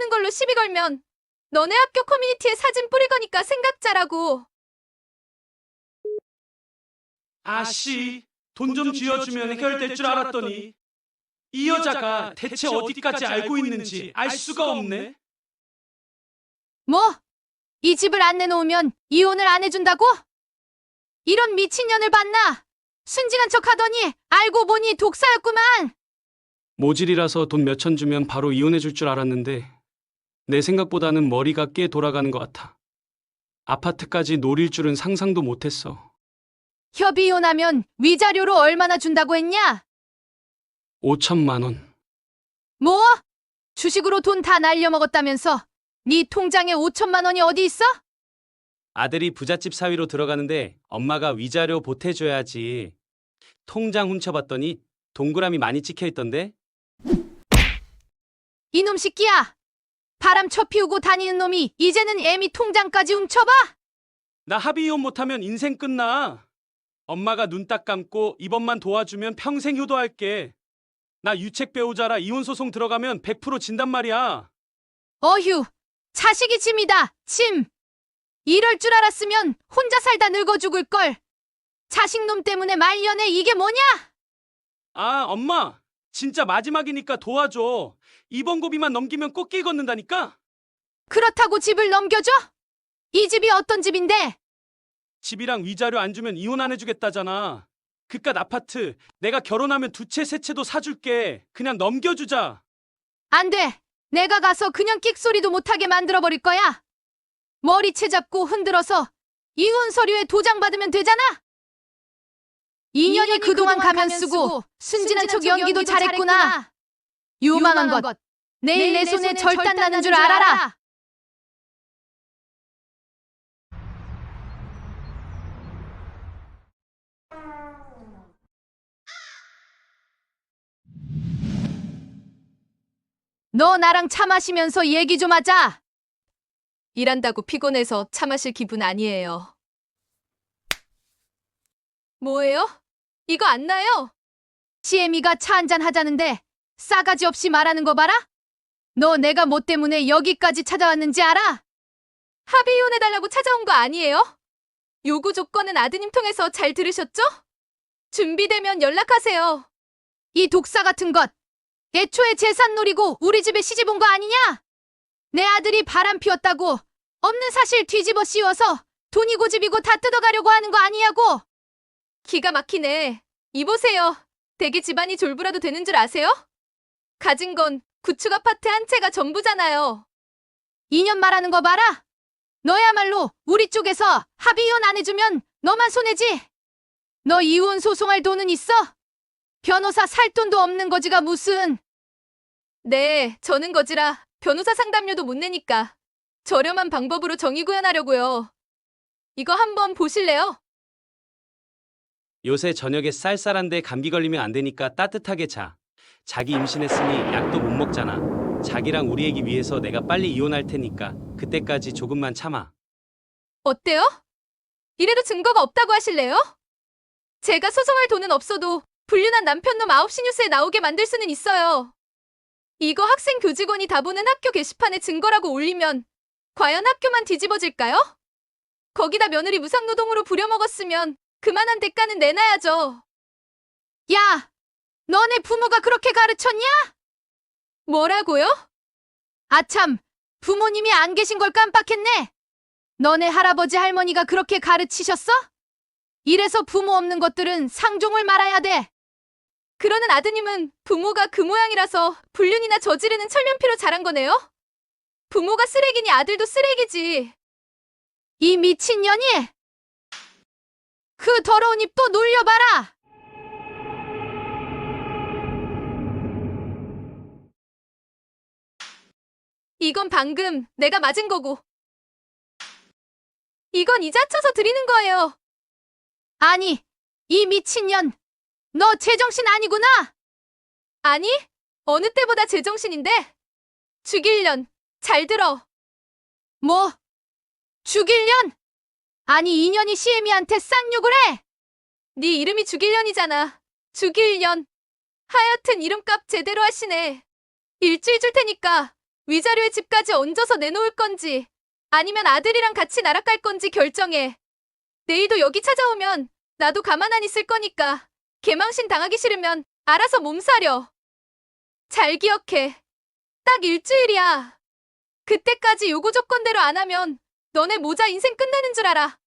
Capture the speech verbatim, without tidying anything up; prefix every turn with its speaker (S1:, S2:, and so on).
S1: 없는 걸로 시비 걸면 너네 학교 커뮤니티에 사진 뿌릴 거니까 생각 잘하고.
S2: 아씨, 돈 좀 쥐어주면 해결될 줄 알았더니 이 여자가 대체 어디까지 알고 있는지 알 수가 없네.
S1: 뭐? 이 집을 안 내놓으면 이혼을 안 해준다고? 이런 미친년을 봤나? 순진한 척 하더니 알고 보니 독사였구만.
S2: 모질이라서 돈 몇천 주면 바로 이혼해 줄 줄 알았는데 내 생각보다는 머리가 꽤 돌아가는 것 같아. 아파트까지 노릴 줄은 상상도 못했어.
S1: 협의 이혼하면 위자료로 얼마나 준다고 했냐?
S2: 오천만 원.
S1: 뭐? 주식으로 돈 다 날려먹었다면서 네 통장에 오천만 원이 어디 있어?
S2: 아들이 부잣집 사위로 들어가는데 엄마가 위자료 보태줘야지. 통장 훔쳐봤더니 동그라미 많이 찍혀있던데?
S1: 이놈 새끼야! 바람 쳐 피우고 다니는 놈이 이제는 애미 통장까지 훔쳐봐?
S2: 나 합의 이혼 못하면 인생 끝나. 엄마가 눈 딱 감고 이번만 도와주면 평생 효도할게. 나 유책 배우자라 이혼 소송 들어가면 백 퍼센트 진단 말이야.
S1: 어휴, 자식이 짐이다, 짐. 이럴 줄 알았으면 혼자 살다 늙어 죽을걸. 자식놈 때문에 말년에 이게 뭐냐?
S2: 아, 엄마. 진짜 마지막이니까 도와줘. 이번 고비만 넘기면 꽃길 걷는다니까?
S1: 그렇다고 집을 넘겨줘? 이 집이 어떤 집인데?
S2: 집이랑 위자료 안 주면 이혼 안 해주겠다잖아. 그깟 아파트 내가 결혼하면 두 채 세 채도 사줄게. 그냥 넘겨주자.
S1: 안 돼. 내가 가서 그냥 끽소리도 못하게 만들어버릴 거야. 머리채 잡고 흔들어서 이혼 서류에 도장 받으면 되잖아. 이 년이 그동안 가면 쓰고 순진한 척 연기도 잘했구나. 유망한 것. 내일 내 손에 절단 나는 줄 알아라. 너 나랑 차 마시면서 얘기 좀 하자. 일한다고 피곤해서 차 마실 기분 아니에요. 뭐예요? 이거 안 나요? 시애미가 차 한잔 하자는데 싸가지 없이 말하는 거 봐라? 너 내가 뭐 때문에 여기까지 찾아왔는지 알아? 합의 이혼해달라고 찾아온 거 아니에요? 요구 조건은 아드님 통해서 잘 들으셨죠? 준비되면 연락하세요. 이 독사 같은 것. 애초에 재산 노리고 우리 집에 시집 온 거 아니냐? 내 아들이 바람 피웠다고 없는 사실 뒤집어 씌워서 돈이 고집이고 다 뜯어가려고 하는 거 아니냐고? 기가 막히네. 이보세요. 대개 집안이 졸부라도 되는 줄 아세요? 가진 건 구축 아파트 한 채가 전부잖아요. 이 년 말하는 거 봐라. 너야말로 우리 쪽에서 합의 이혼 안 해주면 너만 손해지. 너 이혼 소송할 돈은 있어? 변호사 살 돈도 없는 거지가 무슨. 네, 저는 거지라 변호사 상담료도 못 내니까 저렴한 방법으로 정의 구현하려고요. 이거 한번 보실래요?
S2: 요새 저녁에 쌀쌀한데 감기 걸리면 안 되니까 따뜻하게 자. 자기 임신했으니 약도 못 먹잖아. 자기랑 우리 애기 위해서 내가 빨리 이혼할 테니까 그때까지 조금만 참아.
S1: 어때요? 이래도 증거가 없다고 하실래요? 제가 소송할 돈은 없어도 불륜한 남편놈 아홉 시 뉴스에 나오게 만들 수는 있어요. 이거 학생 교직원이 다 보는 학교 게시판에 증거라고 올리면 과연 학교만 뒤집어질까요? 거기다 며느리 무상노동으로 부려먹었으면 그만한 대가는 내놔야죠. 야! 너네 부모가 그렇게 가르쳤냐? 뭐라고요? 아참, 부모님이 안 계신 걸 깜빡했네. 너네 할아버지 할머니가 그렇게 가르치셨어? 이래서 부모 없는 것들은 상종을 말아야 돼. 그러는 아드님은 부모가 그 모양이라서 불륜이나 저지르는 철면피로 자란 거네요? 부모가 쓰레기니 아들도 쓰레기지. 이 미친년이! 그 더러운 입 또 놀려봐라! 이건 방금 내가 맞은 거고. 이건 이자 쳐서 드리는 거예요. 아니, 이 미친년. 너 제정신 아니구나? 아니, 어느 때보다 제정신인데? 죽일년. 잘 들어. 뭐? 죽일년? 아니, 이년이 시애미한테 쌍욕을 해? 네 이름이 죽일년이잖아. 죽일년. 하여튼 이름값 제대로 하시네. 일주일 줄 테니까 위자료에 집까지 얹어서 내놓을 건지 아니면 아들이랑 같이 날아갈 건지 결정해. 내일도 여기 찾아오면 나도 가만 안 있을 거니까 개망신 당하기 싫으면 알아서 몸사려. 잘 기억해. 딱 일주일이야. 그때까지 요구 조건대로 안 하면 너네 모자 인생 끝나는 줄 알아.